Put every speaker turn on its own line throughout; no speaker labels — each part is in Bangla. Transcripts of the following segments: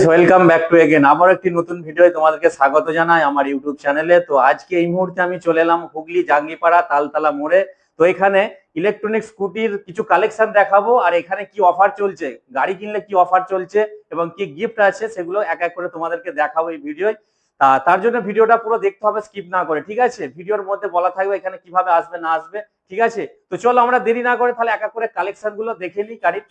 ওয়েলকাম ব্যাক টু এগেন আবার একটি নতুন ভিডিও তোমাদেরকে স্বাগত জানাই আমার ইউটিউব চ্যানেলে। তো আজকে এই মুহূর্তে আমি চলে এলাম হুগলি জাঙ্গিপাড়া তালতলা মোড়ে। তো এখানে ইলেকট্রনিক স্কুটির কিছু কালেকশন দেখাবো, আর এখানে কি অফার চলছে, গাড়ি কিনলে কি অফার চলছে এবং কি গিফট আছে সেগুলো এক এক করে তোমাদেরকে দেখাবো এই ভিডিওয়। তার জন্য ভিডিওটা পুরো দেখতে হবে, স্কিপ না করে, ঠিক আছে? ভিডিওর মধ্যে বলা থাকবে এখানে কিভাবে আসবে না আসবে, ঠিক আছে? তো চলো আমরা দেরি না করে তাহলে এক এক করে কালেকশন গুলো দেখে নিই গাড়ির।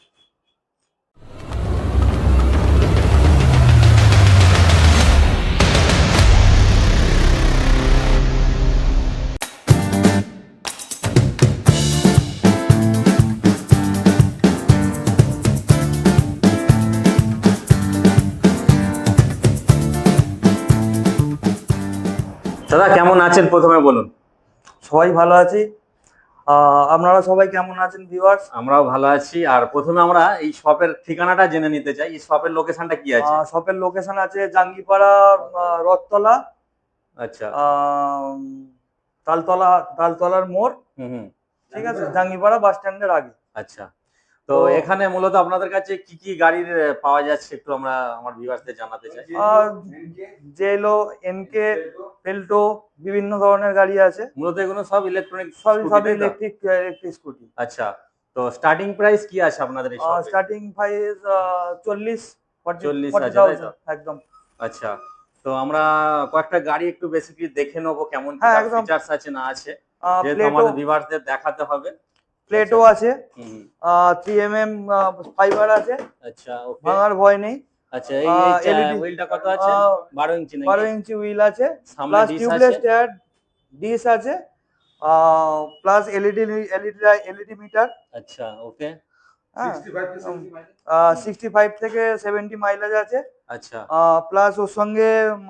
দাদা কেমন আছেন প্রথমে বলুন।
সবাই ভালো আছি। আপনারা সবাই কেমন আছেন ভিউয়ার্স?
আমরাও ভালো আছি। আর প্রথমে আমরা এই শপের ঠিকানাটা জেনে নিতে চাই, এই শপের লোকেশনটা কি আছে?
শপের লোকেশন আছে জাঙ্গিপাড়া, রথতলা,
আচ্ছা,
তালতলার মোড়। ঠিক আছে, জাঙ্গিপাড়া বাস স্ট্যান্ডের আগে।
আচ্ছা। তো এখানে মূলত আপনাদের কাছে কি কি গাড়ির পাওয়া যাচ্ছে একটু আমরা আমার ভিউয়ারদের জানাতে চাই।
জেলো, এনকে, পেল্টো, বিভিন্ন ধরনের গাড়ি আছে।
মূলত এগুলো সব ইলেকট্রনিক,
সব ইলেকট্রিক স্কুটি।
আচ্ছা, তো স্টার্টিং প্রাইস কি আছে আপনাদের এই শপে?
স্টার্টিং প্রাইস
40,000
একদম।
আচ্ছা, তো আমরা কয়েকটা গাড়ি একটু বেসিক্যালি দেখে নেবো কেমন কি ফিচারস আছে না আছে, যেহেতু আমাদের ভিউয়ারদের দেখাতে হবে।
প্লেটও আছে, 3mm ফাইবার আছে।
আচ্ছা, ওকে,
ভাঙার ভয় নেই।
আচ্ছা, এই হুইলটা কত আছে? 12 ইঞ্চি নাকি?
12 ইঞ্চি হুইল আছে,
সামনে
প্লাস
ডিশ
টিউবলেস
আছে,
টায়ার, ডিশ আছে, প্লাস এলইডি মিটার।
আচ্ছা, ওকে,
65 থেকে 70 মাইলেজ আছে।
আচ্ছা,
প্লাস ওর সঙ্গে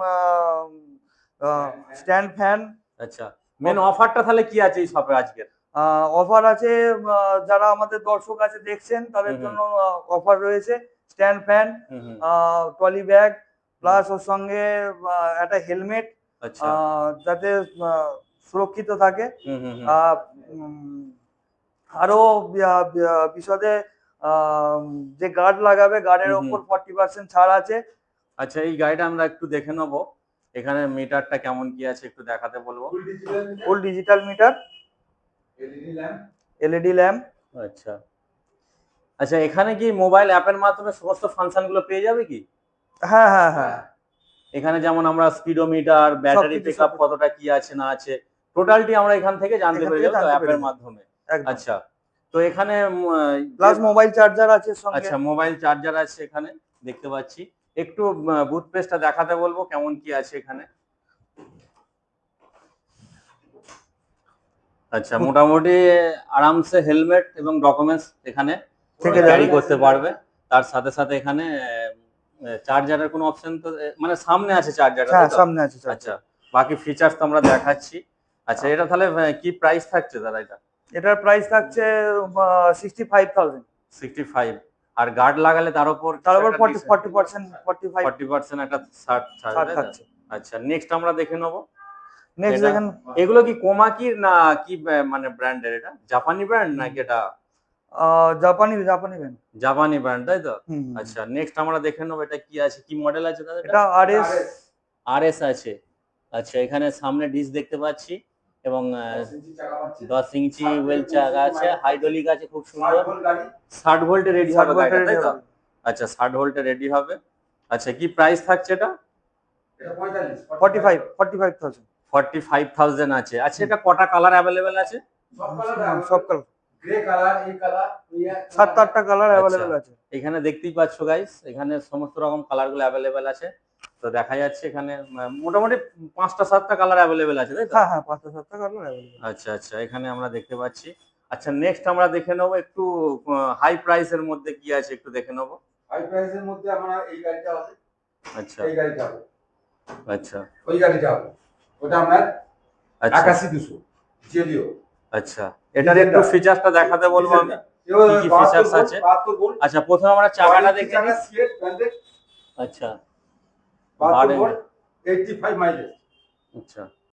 স্ট্যান্ড ফ্যান।
আচ্ছা, মেন অফারটা তাহলে কি আছে এই শপে আজকের?
অফার আছে, যারা আমাদের দর্শক আছে দেখছেন তাদের জন্য অফার রয়েছে। Stand fan, trolley bag, plus ওর সঙ্গে একটা হেলমেট, যাতে সুরক্ষিত থাকে। আরো বিশদে যে গার্ড লাগাবে, গার্ডের উপর 40% ছাড় আছে।
আচ্ছা, এই গাড়িটা আমরা একটু দেখে নেবো, এখানে মিটারটা কেমন কি আছে একটু দেখাতে বলবো।
Full digital meter, LED lamp.
আচ্ছা, আচ্ছা, এখানে কি মোবাইল অ্যাপের মাধ্যমে সমস্ত ফাংশন গুলো পেয়ে যাবে কি?
হ্যাঁ হ্যাঁ হ্যাঁ,
এখানে যেমন আমরা স্পিডোমিটার, ব্যাটারি পিকআপ কতটা কি আছে না আছে, টোটালটি আমরা এখান থেকে জানতে পেরে যাবো অ্যাপের মাধ্যমে। আচ্ছা, তো এখানে
প্লাস মোবাইল চার্জার আছে সঙ্গে।
আচ্ছা, মোবাইল চার্জার আছে এখানে দেখতে পাচ্ছি। একটু বুট পেজটা দেখাতে বলবো কেমন কি আছে এখানে। আচ্ছা, মোটামুটি আরামসে হেলমেট এবং ডকুমেন্টস এখানে ক্যারি করতে পারবে। তার সাথে সাথে এখানে চার্জারের কোনো অপশন তো মানে সামনে আছে চার্জারটা?
হ্যাঁ, সামনে আছে।
আচ্ছা, বাকি ফিচারস তো আমরা দেখাচ্ছি। আচ্ছা, এটা তাহলে কি প্রাইস থাকছে দাদা এটা?
এটার প্রাইস থাকছে 65,000।
65, আর গার্ড লাগালে তার উপর 40% একটা ছাড় থাকছে। আচ্ছা, নেক্সট আমরা দেখে নেবো।
নেক্সট দেখেন,
এগুলো কি কোমাকি না কি মানে ব্র্যান্ডের? এটা জাপানি ব্র্যান্ড নাকি? এটা
জাপানি ব্র্যান্ড।
জাপানি ব্র্যান্ড, তাই তো? আচ্ছা, নেক্সট আমরা দেখে নেবো এটা কি আছে, কি মডেল আছে দাদা?
এটা
আরএস আছে। আচ্ছা, এখানে সামনে ডিশ দেখতে পাচ্ছি এবং 10 ইঞ্চি হুইল চাকা আছে, হাইড্রোলিক আছে, খুব সুন্দর। 60 ভোল্টে রেডি হবে গাড়িটা, তাই তো? আচ্ছা, 60 ভোল্টে রেডি হবে। আচ্ছা, কি প্রাইস থাকছে এটা?
45,000।
45,000 আছে। আচ্ছা, এটা কটা কালার অ্যাভেলেবেল আছে?
সব কালার, গ্রে কালার, এই কালার, 7-8টা কালার অ্যাভেলেবেল আছে।
এখানে দেখতেই পাচ্ছ গাইস, এখানে সমস্ত রকম কালারগুলো অ্যাভেলেবেল আছে। তো দেখা যাচ্ছে এখানে মোটামুটি 5টা 7টা কালার অ্যাভেলেবেল আছে, তাই তো?
হ্যাঁ, 5টা 7টা কালার অ্যাভেলেবেল।
আচ্ছা, আচ্ছা, এখানে আমরা দেখতে পাচ্ছি। আচ্ছা, নেক্সট আমরা দেখে নেবো একটু হাই প্রাইসের মধ্যে কি আছে একটু দেখে নেবো।
হাই প্রাইসের মধ্যে আমরা এই গাড়িটা আছে।
আচ্ছা,
এই গাড়িটা হবে।
আচ্ছা,
ওই গাড়িটা হবে, ওটা আপনার 81,200 জেলিও।
আচ্ছা, এটার একটু ফিচারসটা দেখাতে বলবো আমি, কি কি ফিচারস আছে। আচ্ছা, প্রথমে আমরা চাকাটা দেখে নিই। আচ্ছা, 85 মাইলেজ। আচ্ছা,